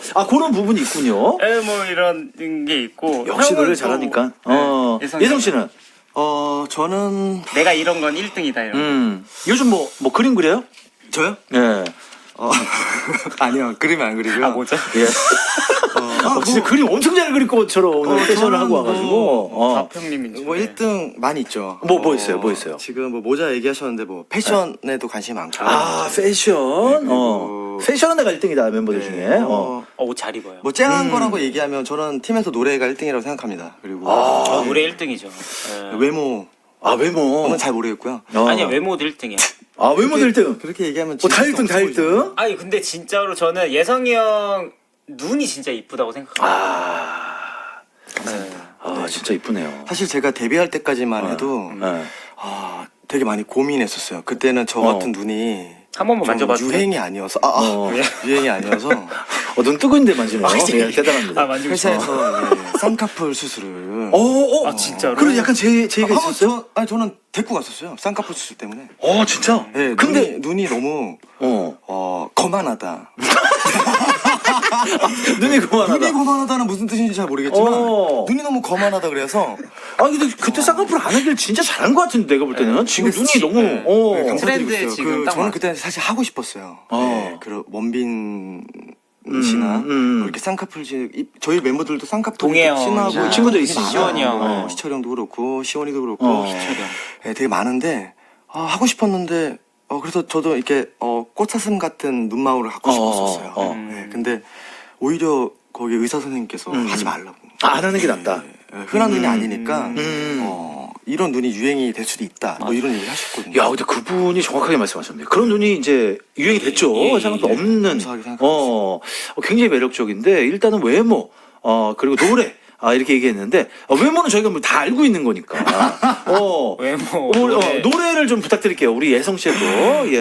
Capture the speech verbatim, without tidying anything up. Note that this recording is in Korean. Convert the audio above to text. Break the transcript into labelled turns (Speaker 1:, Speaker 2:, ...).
Speaker 1: 아 그런 부분이 있군요.
Speaker 2: 예, 뭐 이런 게 있고.
Speaker 1: 역시
Speaker 2: 형은
Speaker 1: 노래
Speaker 2: 또
Speaker 1: 잘하니까. 어
Speaker 2: 예성
Speaker 1: 예성 씨는
Speaker 3: 어 저는
Speaker 2: 내가 이런 건 일 등이다 이런.
Speaker 1: 음 요즘 뭐 뭐 그림 그려요?
Speaker 3: 저요?
Speaker 1: 예.
Speaker 3: 어 아니요 그림은 안 그리고요.
Speaker 2: 아 뭐죠?
Speaker 1: 예.
Speaker 3: 어,
Speaker 1: 어, 진짜 그림 엄청 잘 그릴 것처럼 오늘
Speaker 3: 어,
Speaker 1: 패션을
Speaker 3: 저는
Speaker 1: 하고 와가지고.
Speaker 3: 뭐
Speaker 1: 어.
Speaker 2: 박형님인
Speaker 3: 뭐 일 등 많이 있죠.
Speaker 1: 뭐, 뭐 있어요? 뭐 있어요?
Speaker 3: 지금 뭐 모자 얘기하셨는데 뭐 패션에도 관심이 많고.
Speaker 1: 아 패션. 어.
Speaker 3: 그리고-
Speaker 1: 패션은 내가 일 등이다 멤버들
Speaker 3: 네,
Speaker 1: 중에. 어.
Speaker 3: 어,
Speaker 2: 어, 옷 잘 입어요.
Speaker 3: 뭐 쨍한
Speaker 1: 음.
Speaker 3: 거라고 얘기하면 저는 팀에서 노래가 일 등이라고 생각합니다. 그리고
Speaker 1: 아.
Speaker 2: 어,
Speaker 3: 네,
Speaker 2: 노래 일 등이죠. 예.
Speaker 3: 외모
Speaker 1: 아 외모.
Speaker 3: 저는 잘 모르겠고요.
Speaker 1: 어.
Speaker 2: 아니야 외모도 일 등이야.
Speaker 1: 아 외모도 일 등.
Speaker 3: 그렇게 얘기하면
Speaker 1: 어, 다 일 등, 다 일 등.
Speaker 2: 아니 근데 진짜로 저는 예성이 형 눈이 진짜 이쁘다고 생각합니다.
Speaker 1: 아,
Speaker 3: 감사합니다.
Speaker 1: 아 진짜 이쁘네요.
Speaker 3: 사실 제가 데뷔할 때까지만 해도
Speaker 1: 네.
Speaker 3: 아 되게 많이 고민했었어요. 그때는 저
Speaker 1: 어.
Speaker 3: 같은 눈이
Speaker 2: 한 번만
Speaker 3: 좀
Speaker 2: 만져봐도 돼?
Speaker 3: 유행이 아니어서 아, 아,
Speaker 1: 어.
Speaker 3: 유행이 아니어서
Speaker 1: 어, 눈 뜨고 있는데 만지네요. 예, 대단합니다.
Speaker 2: 아 만지고 싶어.
Speaker 3: 회사에서 예, 쌍꺼풀 수술을
Speaker 1: 어, 어.
Speaker 2: 아, 진짜로?
Speaker 1: 그럼 약간 제, 제 얘기가
Speaker 3: 아, 한번
Speaker 1: 있었어요?
Speaker 3: 저, 아니 저는 데리고 갔었어요. 쌍꺼풀 수술 때문에.
Speaker 1: 어, 진짜?
Speaker 3: 예,
Speaker 1: 근데,
Speaker 3: 눈이, 눈이 너무
Speaker 1: 어.
Speaker 3: 어 거만하다.
Speaker 1: 눈이 그만하다.
Speaker 3: 눈이 거만하다는 무슨 뜻인지 잘 모르겠지만
Speaker 1: 어.
Speaker 3: 눈이 너무 거만하다 그래서
Speaker 1: 아, 근데 그때 쌍꺼풀 안 하길 진짜 잘한 것 같은데, 내가 볼 때는. 지금 눈이
Speaker 3: 시-
Speaker 1: 너무,
Speaker 3: 네.
Speaker 1: 어.
Speaker 3: 네, 감사드리고
Speaker 2: 트렌드에
Speaker 3: 있어요.
Speaker 2: 지금
Speaker 3: 그,
Speaker 2: 딱
Speaker 3: 저는
Speaker 2: 맞-
Speaker 3: 그때 사실 하고 싶었어요.
Speaker 1: 어.
Speaker 3: 네, 그 원빈
Speaker 1: 음,
Speaker 3: 씨나
Speaker 1: 음.
Speaker 3: 뭐 이렇게 쌍꺼풀 지- 이- 저희 멤버들도 쌍꺼풀
Speaker 2: 동해형
Speaker 3: 심하고
Speaker 2: 이제
Speaker 1: 친구들 있으시죠?
Speaker 2: 시원이 형.
Speaker 3: 어, 시철 형도 그렇고 시원이도 그렇고
Speaker 1: 어.
Speaker 3: 네, 되게 많은데 아, 하고 싶었는데 어, 그래서 저도 이렇게 어, 꽃사슴 같은 눈망울을 갖고
Speaker 1: 어,
Speaker 3: 싶었었어요.
Speaker 1: 어.
Speaker 3: 네, 근데 오히려 거기 의사 선생님께서
Speaker 1: 음.
Speaker 3: 하지 말라고.
Speaker 1: 아, 안 하는 게 낫다.
Speaker 3: 네, 흔한 눈이 아니니까
Speaker 1: 음.
Speaker 3: 어, 이런 눈이 유행이 될 수도 있다. 뭐 이런 얘기 하셨거든요.
Speaker 1: 야, 근데 그분이 정확하게 말씀하셨네요. 그런 눈이 이제 유행이 됐죠.
Speaker 2: 예, 예,
Speaker 1: 쌍꺼풀
Speaker 2: 예.
Speaker 1: 없는.
Speaker 3: 감사하게 생각하고
Speaker 1: 어, 어, 굉장히 매력적인데, 일단은 외모, 어, 그리고 노래. 아, 이렇게 얘기했는데, 어, 외모는 저희가 뭐 다 알고 있는 거니까. 어,
Speaker 2: 외모
Speaker 1: 우리, 어,
Speaker 2: 노래.
Speaker 1: 노래를 좀 부탁드릴게요. 우리 예성 씨도. 예.